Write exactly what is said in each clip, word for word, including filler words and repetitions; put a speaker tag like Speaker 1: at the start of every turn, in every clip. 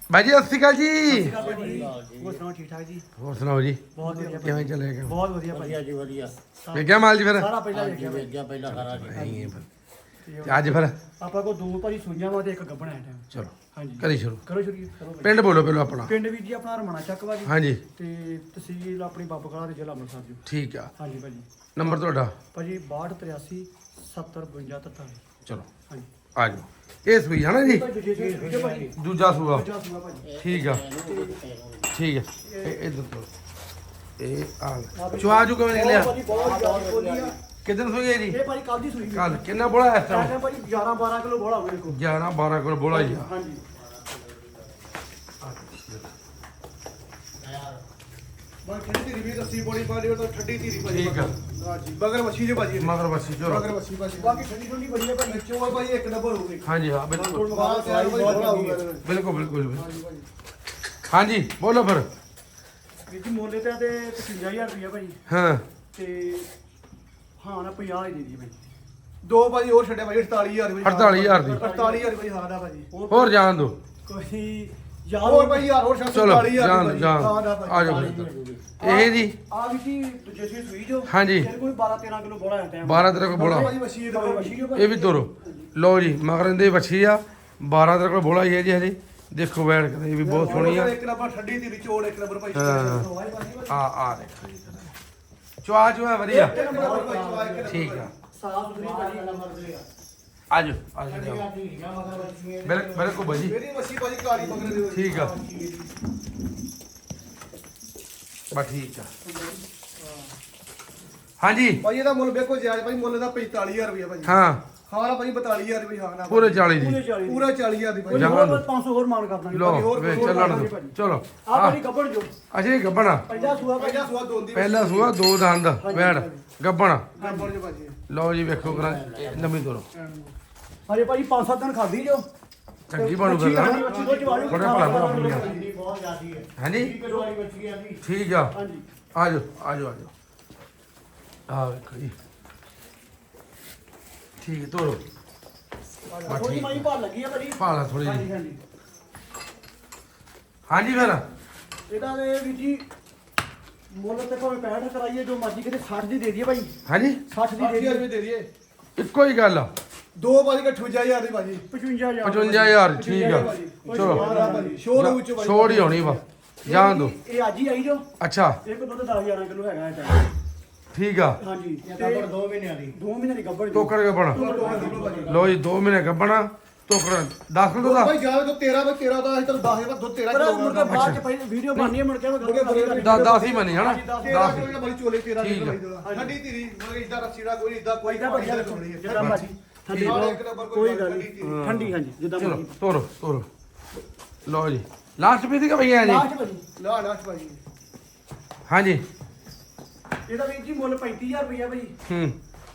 Speaker 1: ਬਾਈ ਜੀ ਸਤਿ ਸ਼੍ਰੀ ਅਕਾਲ ਜੀ।
Speaker 2: ਹੋਰ ਸੁਣਾਓ ਠੀਕ ਠਾਕ ਜੀ?
Speaker 1: ਹੋਰ ਸੁਣਾਓ ਜੀ,
Speaker 2: ਬਹੁਤ ਵਧੀਆ
Speaker 1: ਕਿਵੇਂ ਚੱਲੇਗਾ?
Speaker 2: ਬਹੁਤ ਵਧੀਆ ਭਾਜੀ।
Speaker 3: ਵਧੀਆ ਜੀ ਵਧੀਆ।
Speaker 1: ਵੇਖਿਆ ਮਾਲ ਜੀ ਫਿਰ?
Speaker 2: ਸਾਰਾ ਪਹਿਲਾਂ ਵੇਖਿਆ ਭਾਜੀ।
Speaker 3: ਵੇਖਿਆ ਪਹਿਲਾਂ ਸਾਰਾ ਜੀ।
Speaker 1: ਤੇ ਅੱਜ ਫਿਰ
Speaker 2: ਆਪਾਂ ਕੋ ਦੋ ਭਾਜੀ ਸੁਈਆਂ ਵਾ ਤੇ ਇੱਕ ਗੱਬਣ ਹੈ ਟਾਈਮ।
Speaker 1: ਚਲੋ
Speaker 2: ਹਾਂਜੀ
Speaker 1: ਕਰੀ ਸ਼ੁਰੂ।
Speaker 2: ਕਰੋ ਸ਼ੁਰੂ ਕਰੋ ਭਾਜੀ।
Speaker 1: ਪਿੰਡ ਬੋਲੋ ਪਹਿਲਾਂ ਆਪਣਾ।
Speaker 2: ਪਿੰਡ ਵੀਰ ਜੀ ਆਪਣਾ ਰਮਣਾ ਚੱਕ ਵਾ ਜੀ
Speaker 1: ਹਾਂਜੀ
Speaker 2: ਤੇ ਤਹਿਸੀਲ ਆਪਣੀ ਬਾਬਾ ਕਲਾ ਦੇ ਜ਼ਿਲ੍ਹਾ ਅੰਮ੍ਰਿਤਸਰ ਜੀ।
Speaker 1: ਠੀਕ ਆ।
Speaker 2: ਹਾਂਜੀ ਭਾਜੀ।
Speaker 1: ਨੰਬਰ ਤੁਹਾਡਾ?
Speaker 2: ਭਾਜੀ ਬਾਹਠ ਤਰਿਆਸੀ ਸੱਤਰ ਬਵੰਜਾ ਤਰਤਾਲੀ।
Speaker 1: ਚਲੋ
Speaker 2: ਹਾਂਜੀ
Speaker 1: ਆ ਜਾਓ। ਇਹ ਸੂਈ ਹੈ ਨਾ ਜੀ?
Speaker 2: ਦੂਜੇ ਸੂਏ ਭਾਜੀ।
Speaker 1: ਦੂਜਾ ਸੂਆ।
Speaker 2: ਦੂਜਾ ਸੂਆ ਭਾਜੀ।
Speaker 1: ਠੀਕ ਆ ਠੀਕ ਆ। ਇਹ ਇਧਰ ਤੋਂ ਇਹ ਆ ਚੁਆ ਜੂ ਕਿਵੇਂ ਨਿਕਲਿਆ?
Speaker 2: ਭਾਜੀ ਬਹੁਤ ਜ਼ਿਆਦਾ ਬੋਲੀ ਆ।
Speaker 1: ਕਿਦਨ ਸੂਈ ਹੈ ਜੀ?
Speaker 2: ਇਹ ਭਾਜੀ ਕੱਲ ਦੀ ਸੂਈ ਸੀ।
Speaker 1: ਕੱਲ ਕਿੰਨਾ ਬੋਲਾ ਇਸ ਟਾਈਮ?
Speaker 2: ਮੈਂ ਭਾਜੀ ਗਿਆਰਾਂ ਬਾਰਾਂ ਕਿਲੋ ਬੋਲਾ ਹੋਵੇ ਦੇਖੋ।
Speaker 1: ਗਿਆਰਾਂ ਬਾਰਾਂ ਕੋਲ ਬੋਲਾ ਹੀ ਆ।
Speaker 2: ਹਾਂਜੀ
Speaker 4: ਮੈਂ ਠੰਡੀ ਧੀਰੀ ਵੀ ਦੱਸੀ ਬੋੜੀ ਪਾੜੀ ਉਹ ਤਾਂ ਠੰਡੀ ਧੀਰੀ ਭਾਜੀ।
Speaker 1: ਠੀਕ ਆ।
Speaker 4: ਹਾਂ ਜੀ ਬਗਰ ਮੱਛੀ ਜੇ ਭਾਜੀ।
Speaker 1: ਮਗਰ ਬੱਸੀ ਚਲੋ।
Speaker 4: ਬਗਰ ਮੱਛੀ ਭਾਜੀ।
Speaker 2: ਬਾਕੀ ਠੰਡੀ ਠੰਡੀ ਬੜੀ ਹੈ ਭਾਜੀ।
Speaker 4: ਵਿੱਚੋਂ ਆ ਭਾਜੀ ਇੱਕ ਨੰਬਰ ਹੋਊਗੀ।
Speaker 1: ਹਾਂਜੀ ਹਾਂ ਬਿਲਕੁਲ
Speaker 4: ਬਾਹਰ ਤੇ ਆਈ ਬਹੁਤ ਹੋਊਗਾ।
Speaker 1: ਬਿਲਕੁਲ ਬਿਲਕੁਲ ਹਾਂਜੀ ਬੋਲੋ ਫਿਰ।
Speaker 2: ਵੀਰ ਜੀ ਮੁੱਲ ਤੇ ਤੇ ਪਚਵੰਜਾ ਹਜ਼ਾਰ ਰੁਪਇਆ ਭਾਜੀ
Speaker 1: ਹਾਂ
Speaker 2: ਤੇ ਹਾਂ ਨਾ ਪੰਜਾਹ ਹੀ ਦੇ ਦੀ ਭਾਜੀ।
Speaker 4: ਦੋ ਭਾਜੀ ਹੋਰ ਛੱਡਿਆ ਭਾਜੀ ਅੜਤਾਲੀ ਹਜ਼ਾਰ ਭਾਜੀ।
Speaker 1: ਅੜਤਾਲੀ ਹਜ਼ਾਰ ਦੀ।
Speaker 4: ਅੜਤਾਲੀ ਹਜ਼ਾਰ ਭਾਜੀ ਹਾਂ ਦਾ ਭਾਜੀ।
Speaker 1: ਹੋਰ ਜਾਣ ਦੋ।
Speaker 2: ਕੋਈ ਯਾਰ
Speaker 4: ਹੋਰ ਭਾਜੀ ਯਾਰ ਹੋਰ
Speaker 1: ਚਲੋ
Speaker 4: ਅੜਤਾਲੀ ਹਜ਼ਾਰ
Speaker 1: ਜਾਣ
Speaker 4: ਭਾਜੀ।
Speaker 1: ਜਾਣ
Speaker 4: ਹਾਂ ਦਾ ਭਾਜੀ।
Speaker 1: ਆ ਜਾਓ ਫਿਰ। ਇਹ ਜੀ
Speaker 2: ਆ ਵੀ ਜੀ ਦੂਜੇ ਸੂਈ ਸੂਈ ਜੋ
Speaker 1: ਹਾਂਜੀ।
Speaker 2: ਇਹਦੇ ਕੋਈ ਬਾਰਾਂ ਤੇਰਾਂ ਕਿਲੋ ਬੋਲਾ ਹੈ ਟਾਈਮ।
Speaker 1: ਬਾਰਾਂ ਤੇਰੇ ਕੋਲ ਬੋਲਾ।
Speaker 4: ਭਾਜੀ ਮੱਛੀ ਦੇ
Speaker 2: ਮੱਛੀ ਜੋ ਭਾਜੀ।
Speaker 1: ਇਹ ਵੀ ਤੋਰੋ ਲਓ ਜੀ ਮਗਰ ਇਹਦੇ ਵੱਛੀ ਆ ਬਾਰਾਂ ਤੇਰੇ ਕੋਲ ਬੋਲਾ ਹੀ ਹੈ ਜੀ ਹਜੇ ਦੇਖੋ ਬੈਠ ਕੇ ਇਹ ਵੀ ਬਹੁਤ ਸੋਹਣੀ ਆ।
Speaker 4: ਇੱਕ ਨੰਬਰ ਠੰਡੀ ਧੀਰੀ ਚੋੜ ਇੱਕ ਨੰਬਰ ਭਾਜੀ।
Speaker 1: ਹਾਂ। ਆ ਆ ਦੇਖੋ ਜੀ ਚੁਆ ਚੁਆ ਵਧੀਆ
Speaker 4: ਇੱਕ ਨੰਬਰ ਭਾਜੀ ਚਵਾ ਇੱਕ ਨੰਬਰ।
Speaker 1: ਠੀਕ ਆ।
Speaker 2: ਸਾਫ ਸੁਥਰੀ ਭਾਜੀ।
Speaker 1: ਆਜੋ ਆਜੋ ਜਾਓ। ਬਿਲਕੁਲ ਬਿਲਕੁਲ ਭਾਜੀ
Speaker 4: ਮੇਰੀ ਮੱਛੀ ਭਾਜੀ ਕਾਲੀ ਬਗਰ ਦੇ।
Speaker 1: ਠੀਕ ਆ ਬਾ ਠੀਕ ਆ ਹਾਂਜੀ
Speaker 4: ਭਾਜੀ ਇਹਦਾ ਮੁੱਲ ਵੇਖੋ ਜਾਇਜ਼ ਭਾਜੀ ਮੁੱਲ ਦਾ ਪੈਂਤਾਲੀ ਹਜ਼ਾਰ ਰੁਪਇਆ ਭਾਜੀ।
Speaker 1: ਹਾਂ
Speaker 4: ਹਾਂ ਨਾ ਭਾਜੀ ਬਤਾਲੀ ਹਜ਼ਾਰ ਰੁਪਇਆ ਹਾਂ ਨਾ।
Speaker 1: ਪੂਰੇ ਚਾਲੀ ਦੀ
Speaker 2: ਪੂਰੇ ਚਾਲੀ
Speaker 4: ਪੂਰਾ ਚਾਲੀ ਹਜ਼ਾਰ ਦੀ ਭਾਜੀ।
Speaker 2: ਕੋਈ
Speaker 1: ਜਾਣ
Speaker 2: ਹੋਰ
Speaker 1: ਦਿਓ।
Speaker 2: ਪੰਜ ਸੌ ਹੋਰ ਮਾਨ ਕਰ ਦਾਂਗੇ।
Speaker 1: ਲੋ
Speaker 4: ਹੋਰ
Speaker 1: ਵੇ
Speaker 4: ਹੋਰ
Speaker 1: ਚੱਲਣ
Speaker 2: ਭਾਜੀ,
Speaker 1: ਦੋ
Speaker 2: ਭਾਜੀ।
Speaker 1: ਚਲੋ
Speaker 2: ਆ
Speaker 1: ਆ
Speaker 2: ਭਾਜੀ ਗੱਬੜ ਜੋ
Speaker 1: ਅਜੇ ਗੱਬਣਾ
Speaker 2: ਪਹਿਲਾ ਸੂਆ ਭਾਜੀ।
Speaker 4: ਪਹਿਲਾ ਸਵਾ ਦੋ ਦੀ
Speaker 1: ਪਹਿਲਾ ਸੂਆ ਦੋ ਦੰਦ ਵੈੜ ਗੱਬਣਾ
Speaker 4: ਨੰਬਰ ਜੋ ਭਾਜੀ।
Speaker 1: ਲਓ ਜੀ ਵੇਖੋ ਕਰਾਂ ਨਵੀਂ ਤੋਰੋ
Speaker 2: ਹਜੇ ਭਾਜੀ ਪੰਜ ਸੱਤ ਦਿਨ ਖਾਧੀ ਜੋ।
Speaker 1: ਚੰਗੀ ਬਣੂ
Speaker 2: ਮੱਛੀ
Speaker 1: ਫਿਰ
Speaker 2: ਖਾਣੀ, ਮੱਛੀ ਤੋਂ ਚਵਾਲੂ
Speaker 1: ਬੜੇ ਭਲਾ ਭਲਾ ਪਈਆਂ।
Speaker 3: ਬਹੁਤ ਜ਼ਿਆਦੀ ਹੈ।
Speaker 1: ਹਾਂਜੀ
Speaker 3: ਕਿਲੋ ਵਾਲੀ ਬੱਚੀ ਆ ਜੀ।
Speaker 1: ਠੀਕ ਆ
Speaker 2: ਹਾਂਜੀ
Speaker 1: ਆਜੋ ਆਜੋ ਆਜੋ ਆ ਵੇਖੋ ਜੀ ਠੀਕ ਹੈ ਤੋਰੋ ਬਸ
Speaker 2: ਥੋੜੀ
Speaker 1: ਠੀਕ
Speaker 2: ਮਾਈ ਭਾਲ ਲੱਗੀ ਆ ਭਾਜੀ।
Speaker 1: ਭਾਲਾ ਥੋੜੀ
Speaker 2: ਹਾਂਜੀ
Speaker 1: ਜੀ
Speaker 2: ਹਾਂਜੀ
Speaker 1: ਹਾਂਜੀ ਫਿਰ
Speaker 2: ਇਹਦਾ ਦੇ ਵੀ ਜੀ ਮੁੱਲ ਤੇ ਭਾਵੇਂ ਪੈਂਹਠ ਕਰਾਈਏ ਜੋ ਮਰਜ਼ੀ ਕਿਤੇ ਸੱਠ ਦੀ ਦੇ ਦਈਏ ਭਾਈ।
Speaker 1: ਹਾਂਜੀ
Speaker 2: ਸੱਠ ਦੀ ਦੇ
Speaker 4: ਅੱਠ ਹਜ਼ਾਰ
Speaker 2: ਦਈਏ।
Speaker 4: ਰੁਪਏ ਦੇ ਦਈਏ।
Speaker 1: ਇੱਕੋ ਹੀ ਗੱਲ ਆ
Speaker 4: ਦੋ ਭਾਜੀ ਅਠਵੰਜਾ ਹਜ਼ਾਰ ਦੀ ਭਾਜੀ।
Speaker 2: ਪਚਵੰਜਾ ਹਜ਼ਾਰ
Speaker 1: ਪਚਵੰਜਾ ਹਜ਼ਾਰ ਠੀਕ ਆ ਚਲੋ
Speaker 4: ਹਾਂ ਨਾ ਭਾਜੀ ਸ਼ੋਰ ਵਿੱਚ ਭਾਜੀ।
Speaker 1: ਛੋੜ ਹੀ ਹੋਣੀ ਵਾ ਜਾਣ ਦੋ
Speaker 2: ਇਹ ਅੱਜ ਹੀ ਆਈ ਜੋ।
Speaker 1: ਅੱਛਾ
Speaker 2: ਇੱਕ ਦੁੱਧ ਦਸ ਗਿਆਰਾਂ ਕਿਲੋ ਹੈਗਾ ਇਹ ਟਾਈਮ।
Speaker 1: ਠੀਕ ਆ
Speaker 2: ਹਾਂਜੀ
Speaker 3: ਇਹ
Speaker 2: ਤੇ
Speaker 3: ਗੱਬੜ ਦੋ ਮਹੀਨਿਆਂ ਦੀ।
Speaker 2: ਦੋ ਮਹੀਨੇ ਦੀ ਗੱਭਣ
Speaker 1: ਟੋਕਰ ਗੱਬਣਾ ਲੋ ਜੀ ਦੋ ਮਹੀਨੇ ਗੱਬਣਾ ਟੋਕਰ ਦਸ ਕਿਲੋ ਦਾ
Speaker 4: ਭਾਈ ਜਾਵੇ ਤਾਂ ਤੇਰਾਂ ਵਿੱਚ ਤੇਰਾਂ ਦਾ ਅਸੀਂ ਤਾਂ ਦਸ ਹਜ਼ਾਰ ਦੁੱਧ ਤੇਰਾਂ
Speaker 2: ਪਰ
Speaker 4: ਕਿਲੋ
Speaker 2: ਮੁੜ ਕੇ ਬਾਅਦ ਚ ਪਹਿਲੇ ਵੀਡੀਓ ਬਣਨੀ ਹੈ ਮੁੜ ਕੇ ਮੈਂ
Speaker 4: ਮੁੜ ਕੇ ਬੜੇ-
Speaker 1: ਦਸ ਦਸ ਹੀ ਮੰਨੀ ਹਨਾ
Speaker 4: ਤੇਰਾਂ
Speaker 1: ਦਸ
Speaker 4: ਕਿਲੋ ਦਾ ਬੜੀ ਚੋਲੇ ਤੇਰਾਂ
Speaker 1: ਠੀਕ
Speaker 4: ਕਿਲੋ
Speaker 1: ਆ।
Speaker 4: ਭਾਈ ਠੰਡੀ ਧੀਰੀ ਮਤਲਬ ਇਦਾਂ ਰੱਸੀੜਾ ਕੋਈ ਇਦਾਂ ਕੋਈ
Speaker 2: ਇਦਾਂ ਵਧੀਆ
Speaker 4: ਹੋਣੀ ਹੈ।
Speaker 2: ਜਿੱਦਾਂ ਮਰਜ਼ੀ ਠੰਡੀ
Speaker 4: ਨਾਲ ਇੱਕ ਨੰਬਰ
Speaker 2: ਕੋਈ ਗੱਲ
Speaker 4: ਠੰਡੀ ਧੀਰੀ।
Speaker 2: ਨਹੀਂ ਠੰਡੀ ਹਾਂਜੀ ਜਿੱਦਾਂ
Speaker 1: ਚਲੋ
Speaker 2: ਮਰਜ਼ੀ
Speaker 1: ਤੋਰੋ ਤੋਰੋ ਲਓ ਜੀ ਲਾਸਟ ਪੀਸ ਕਿ ਭਈਆ ਜੀ
Speaker 2: ਲਾਸਟ ਭਾਜੀ
Speaker 4: ਲਾ ਲਾਸਟ ਭਾਜੀ।
Speaker 1: ਹਾਂਜੀ
Speaker 2: ਇਹਦਾ ਵੀਰ ਜੀ ਮੁੱਲ ਪੈਂਤੀ ਹਜ਼ਾਰ ਰੁਪਇਆ ਭਾਜੀ।
Speaker 1: ਹੂੰ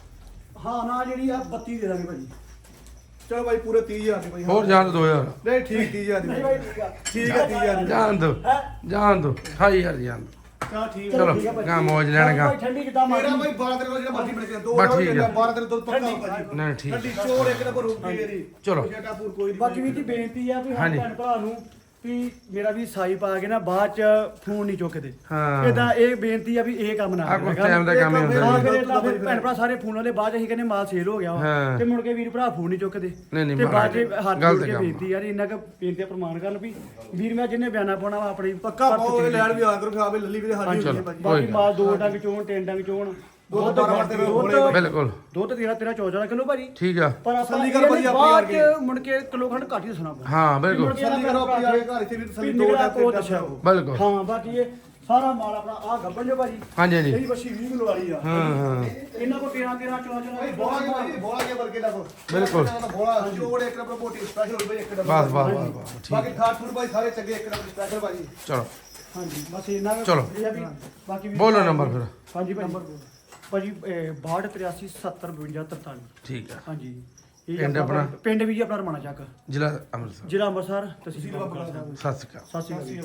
Speaker 2: ਹਾਂ ਨਾ ਜਿਹੜੀ ਆ ਬੱਤੀ ਦੇ ਦਾਂਗੇ ਭਾਜੀ।
Speaker 4: ਚਲੋ ਭਾਈ ਪੂਰੇ ਤੀਹ ਹਜ਼ਾਰ ਦੀ ਭਾਈ।
Speaker 1: ਹੋਰ ਜਾਣ ਦੋ ਯਾਰ
Speaker 4: ਨਹੀਂ ਠੀਕ ਤੀਹ ਹਜ਼ਾਰ ਦੀ
Speaker 2: ਨਹੀਂ
Speaker 4: ਭਾਈ।
Speaker 2: ਭਾਈ ਠੀਕ ਆ
Speaker 4: ਠੀਕ ਹੈ ਤੀਹ ਹਜ਼ਾਰ ਦੀ।
Speaker 1: ਜਾਣ ਦੋ
Speaker 2: ਹੈ
Speaker 1: ਜਾਣ ਦੋ ਅਠਾਈ ਹਜ਼ਾਰ ਜਾਣ ਦਿਓ।
Speaker 4: ਚਲੋ ਠੀਕ
Speaker 1: ਚਲੋ,
Speaker 2: ਠੀਕ ਆ ਭਾਜੀ।
Speaker 1: ਗਾਂ ਮੌਜ ਲੈਣ ਗਾਂ।
Speaker 2: ਭਾਈ ਠੰਡੀ ਜਿੱਦਾਂ
Speaker 4: ਮੇਰਾ
Speaker 2: ਮਰਜ਼ੀ
Speaker 4: ਭਾਈ ਬਾਰਾਂ ਤੇਰਾਂ ਜਿਹੜਾ ਮਰਜ਼ੀ ਬਣ ਕੇ ਦੋ
Speaker 1: ਬਸ ਠੀਕ ਆ।
Speaker 4: ਬਾਰਾਂ ਤੇਰਾਂ ਦੁੱਧ ਪੱਕਾ
Speaker 2: ਠੰਡੀ
Speaker 4: ਭਾਜੀ।
Speaker 1: ਨਹੀਂ ਠੀਕ
Speaker 4: ਠੰਡੀ ਚੋੜ ਇੱਕ ਨੰਬਰ ਹੋਊਗੀ ਮੇਰੀ।
Speaker 1: ਚਲੋ।
Speaker 4: ਜਟਾਪੁਰ ਕੋਈ ਨਹੀਂ
Speaker 2: ਬਾਕੀ ਵੀ ਜੀ ਬੇਨਤੀ ਆ ਵੀ ਹਰ
Speaker 1: ਹਾਂਜੀ।
Speaker 2: ਭੈਣ ਭਰਾ ਨੂੰ ਵੀ ਮੇਰਾ ਵੀ ਸਾਈ ਪਾ ਕੇ ਨਾ ਬਾਅਦ ਚ ਫੋਨ ਨਹੀਂ ਚੁੱਕਦੇ।
Speaker 1: ਹਾਂ।
Speaker 2: ਇਦਾਂ ਇਹ ਬੇਨਤੀ ਆ ਵੀ ਇਹ ਕੰਮ ਨਾ
Speaker 1: ਆ ਕੁਛ
Speaker 2: ਕਰਿਆ
Speaker 1: ਟਾਈਮ ਦਾ ਕੰਮ ਹੀ ਹੁੰਦਾ
Speaker 2: ਹਾਂ
Speaker 1: ਜੀ
Speaker 2: ਫਿਰ ਏਦਾਂ ਫਿਰ ਭੈਣ ਭਰਾ ਸਾਰੇ ਫੋਨ ਵਾਲੇ ਬਾਅਦ ਚ ਅਸੀਂ ਕਹਿੰਦੇ ਮਾਲ ਸੇਲ ਹੋ ਗਿਆ ਵਾ
Speaker 1: ਹਾਂ।
Speaker 2: ਤੇ ਮੁੜ ਕੇ ਵੀਰ ਭਰਾ ਫੋਨ ਨਹੀਂ ਚੁੱਕਦੇ
Speaker 1: ਨਹੀਂ, ਨਹੀਂ,
Speaker 2: ਤੇ ਬਾਅਦ ਚ
Speaker 1: ਮਹਾਰਾਜ,
Speaker 2: ਹੱਥ
Speaker 1: ਗਲਤ
Speaker 2: ਜੋੜ ਕੇ
Speaker 1: ਕੰਮ ਆ।
Speaker 2: ਬੇਨਤੀ ਯਾਰ ਇੰਨਾ ਕੁ ਬੇਨਤੀ ਆ ਪ੍ਰਮਾਣ ਕਰਨ ਵੀ ਵੀਰ ਮੈਂ ਜਿੰਨੇ ਬਿਆਨਾ ਪਾਉਣਾ ਵਾ ਆਪਣੀ
Speaker 4: ਪੱਕਾ
Speaker 2: ਪਰਚੀ
Speaker 4: ਪਾਓ
Speaker 2: ਚ
Speaker 4: ਲੈਣ ਵੀ ਆ ਕਰੋ ਖਾਵੇ ਲੱਲੀ ਵੀ ਹਾਜੀ
Speaker 1: ਚਲੋ।
Speaker 4: ਹੋਈ ਭਾਜੀ।
Speaker 1: ਕੋਈ
Speaker 2: ਬਾਕੀ
Speaker 1: ਗੱਲ।
Speaker 2: ਮਾਲ ਦੋ ਡੰਗ ਚੋਣ ਤਿੰਨ ਡੰਗ ਚੋਣ
Speaker 4: ਦੁੱਧ ਬਾਰਾਂ ਤੇਰਾਂ ਹੋਣੇ
Speaker 2: ਦੁੱਧ
Speaker 1: ਬਿਲਕੁਲ
Speaker 2: ਦੁੱਧ ਤੇਰਾ ਤੇਰਾ ਚੌਦਾਂ ਕਿਲੋ ਭਾਜੀ।
Speaker 1: ਠੀਕ ਆ
Speaker 2: ਪਰ ਆਪਾਂ
Speaker 4: ਤਸੱਲੀ ਕਰ
Speaker 2: ਇਹ
Speaker 4: ਭਾਜੀ
Speaker 2: ਨੀ
Speaker 4: ਆਪਣੀ
Speaker 2: ਬਾਅਦ
Speaker 4: ਆ
Speaker 2: ਚ ਮੁੜ ਕੇ ਕਿਲੋ ਖੰਡ ਘੱਟ ਹੀ ਦੱਸਣਾ ਪੈਂਦਾ।
Speaker 1: ਹਾਂ ਬਿਲਕੁਲ
Speaker 4: ਤਸੱਲੀ ਕਰੋ ਆਪਣੀ ਆ ਕੇ ਘਰ ਇੱਥੇ ਵੀ ਤਸੱਲੀ ਦੋ
Speaker 2: ਨਿਕਲਿਆ
Speaker 4: ਟਾਈਮ
Speaker 2: ਕੋ
Speaker 4: ਤੇ
Speaker 2: ਦੱਸਿਆ
Speaker 1: ਬਿਲਕੁਲ
Speaker 2: ਹਾਂ ਬਾਕੀ ਇਹ ਸਾਰਾ ਮਾਲ ਆਪਣਾ ਆ ਗੱਬਣ ਜੋ ਭਾਜੀ।
Speaker 1: ਹਾਂਜੀ ਹਾਂਜੀ
Speaker 2: ਇਹਦੀ ਬੱਛੀ ਵੀਹ ਕਿਲੋ ਵਾਲੀ ਆ।
Speaker 1: ਹਾਂ ਹਾਂ
Speaker 2: ਇਹਨਾਂ ਕੋ ਤੇਰਾਂ ਤੇਰਾਂ ਚੌਦਾਂ ਚੌਦਾਂ
Speaker 4: ਭਾਈ ਬੋਲਾ ਕੇ ਭਾਜੀ ਬੋਲਾ ਕੇ ਵਰਗੇ ਦਾ ਕੋ
Speaker 1: ਬਿਲਕੁਲ।
Speaker 4: ਬੋਲਾ ਚੋੜ ਇੱਕ ਨੰਬਰ ਮੋਟੀ ਸਪੈਸ਼ਲ ਹੋਈ ਭਾਈ ਇੱਕ ਨੰਬਰ।
Speaker 1: ਬਸ ਬਸ ਬਸ ਬਸ ਠੀਕ
Speaker 4: ਬਾਕੀ ਖਾਟ ਫੂਡ ਭਾਈ ਸਾਰੇ ਚੰਗੇ ਇੱਕ ਨੰਬਰ ਸਪੈਸ਼ਲ ਭਾਜੀ।
Speaker 1: ਚਲੋ
Speaker 2: ਹਾਂਜੀ ਬਸ ਇਹਨਾਂ ਦਾ
Speaker 1: ਚਲੋ।
Speaker 2: ਇਹ ਆ ਵੀ ਬਾਕੀ ਵੀ-
Speaker 1: ਬੋਲੋ ਨੰਬਰ ਫਿਰ
Speaker 2: ਹਾਂਜੀ ਭਾਜੀ ਭਾਜੀ ਬਾਹਠ ਤਰਿਆਸੀ ਸੱਤਰ ਬਵੰਜਾ ਤਰਤਾਲੀ।
Speaker 1: ਠੀਕ ਆ
Speaker 2: ਹਾਂਜੀ ਇਹ
Speaker 1: ਪਿੰਡ
Speaker 2: ਆਪਣਾ
Speaker 1: ਆਪਣਾ?
Speaker 2: ਪਿੰਡ ਵੀ ਜੀ ਆਪਣਾ ਰਮਣਾ ਚੱਕ
Speaker 1: ਜ਼ਿਲ੍ਹਾ ਅੰਮ੍ਰਿਤਸਰ
Speaker 2: ਜ਼ਿਲ੍ਹਾ ਅੰਮ੍ਰਿਤਸਰ ਤਹਿਸੀਲ ਬਾਬਾ
Speaker 1: ਸਤਿ ਸ਼੍ਰੀ ਅਕਾਲ
Speaker 2: ਸਤਿ ਸ਼੍ਰੀ ਅਕਾਲ।